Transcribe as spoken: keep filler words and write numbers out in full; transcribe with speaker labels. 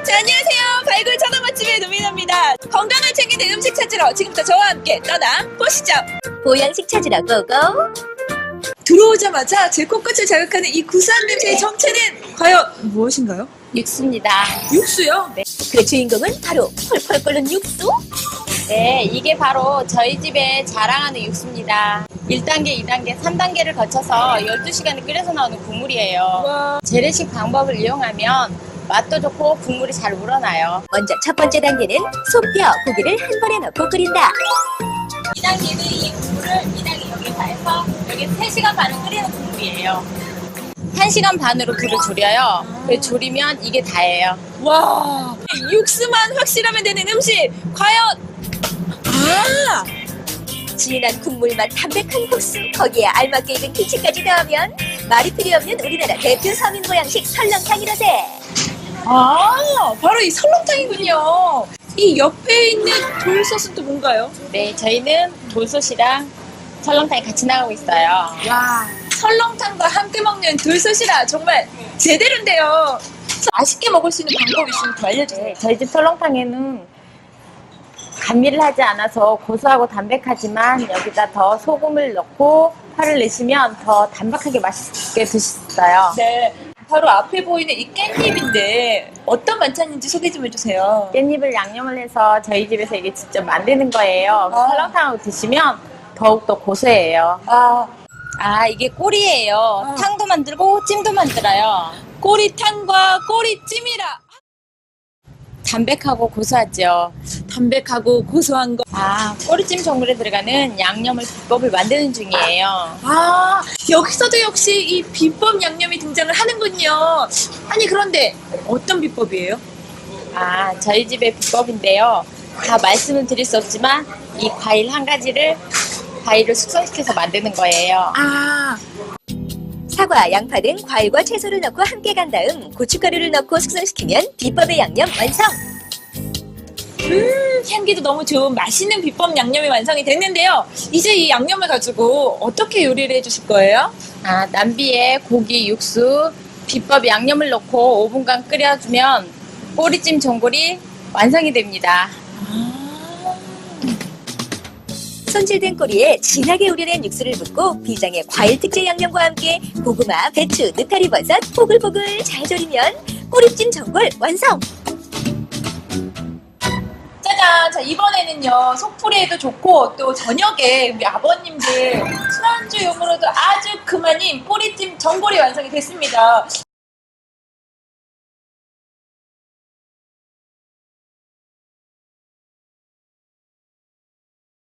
Speaker 1: 자, 안녕하세요. 발굴 천원 맛집의 노미나입니다. 건강을 챙기는 음식 찾으러 지금부터 저와 함께 떠나 보시죠.
Speaker 2: 보양식 찾으러 고고.
Speaker 1: 들어오자마자 제 코끝을 자극하는 이 구수한 냄새의 정체는 과연 무엇인가요?
Speaker 2: 육수입니다.
Speaker 1: 육수요?
Speaker 2: 네. 그 주인공은 바로 펄펄 끓는 육수? 네, 이게 바로 저희 집에 자랑하는 육수입니다. 일 단계, 이 단계, 삼 단계를 거쳐서 열두 시간을 끓여서 나오는 국물이에요.
Speaker 1: 와.
Speaker 2: 재래식 방법을 이용하면 맛도 좋고 국물이 잘 우러나요. 먼저 첫 번째 단계는 소뼈, 고기를 한 번에 넣고 끓인다. 이 단계는 이 국물을 이 단계 여기 다 해서 여기 세 시간 반을 끓이는 국물이에요. 한 시간 반으로 불을 줄여요. 그 졸이면 이게 다예요.
Speaker 1: 와. 육수만 확실하면 되는 음식. 과연. 아.
Speaker 2: 진한 국물맛 담백한 국수, 거기에 알맞게 익은 김치까지 더하면 말이 필요 없는 우리나라 대표 서민 보양식 설렁탕이라세.
Speaker 1: 아, 바로 이 설렁탕이군요. 이 옆에 있는 돌솥은 또 뭔가요?
Speaker 2: 네, 저희는 돌솥이랑 설렁탕이 같이 나가고 있어요.
Speaker 1: 와, 설렁탕과 함께 먹는 돌솥이라 정말 제대로인데요. 맛있게 먹을 수 있는 방법 있으면 더 알려주세요.
Speaker 2: 네, 저희 집 설렁탕에는 감미를 하지 않아서 고소하고 담백하지만 여기다 더 소금을 넣고 파를 내시면 더 담백하게 맛있게 드실 수 있어요.
Speaker 1: 네, 바로 앞에 보이는 이 깻잎인데 어떤 반찬인지 소개 좀 해주세요.
Speaker 2: 깻잎을 양념을 해서 저희 집에서 이게 직접 만드는 거예요.
Speaker 1: 아.
Speaker 2: 설렁탕하고 드시면 더욱더 고소해요.
Speaker 1: 아,
Speaker 2: 아, 이게 꼬리예요.
Speaker 1: 아.
Speaker 2: 탕도 만들고 찜도 만들어요.
Speaker 1: 꼬리탕과 꼬리찜이라.
Speaker 2: 담백하고 고소하죠.
Speaker 1: 담백하고 고소한 거.
Speaker 2: 아, 꼬리찜 전골에 들어가는 양념을 비법을 만드는 중이에요.
Speaker 1: 아, 여기서도 역시 이 비법 양념이 등장을 하는군요. 아니, 그런데 어떤 비법이에요?
Speaker 2: 아, 저희 집의 비법인데요. 다 말씀을 드릴 수 없지만 이 과일 한 가지를 과일을 숙성시켜서 만드는 거예요.
Speaker 1: 아,
Speaker 2: 사과, 양파 등 과일과 채소를 넣고 함께 간 다음 고춧가루를 넣고 숙성시키면 비법의 양념 완성!
Speaker 1: 음, 향기도 너무 좋은 맛있는 비법 양념이 완성이 됐는데요. 이제 이 양념을 가지고 어떻게 요리를 해주실 거예요?
Speaker 2: 아, 남비에 고기, 육수, 비법 양념을 넣고 오 분간 끓여주면 꼬리찜 전골이 완성이 됩니다. 손질된 꼬리에 진하게 우려낸 육수를 붓고 비장의 과일 특제 양념과 함께 고구마, 배추, 느타리 버섯 보글보글 잘 절이면 꼬리찜 전골 완성!
Speaker 1: 짜잔! 자, 이번에는요, 속풀이에도 좋고, 또 저녁에 우리 아버님들 술안주용으로도 아주 그만인 꼬리찜 전골이 완성이 됐습니다.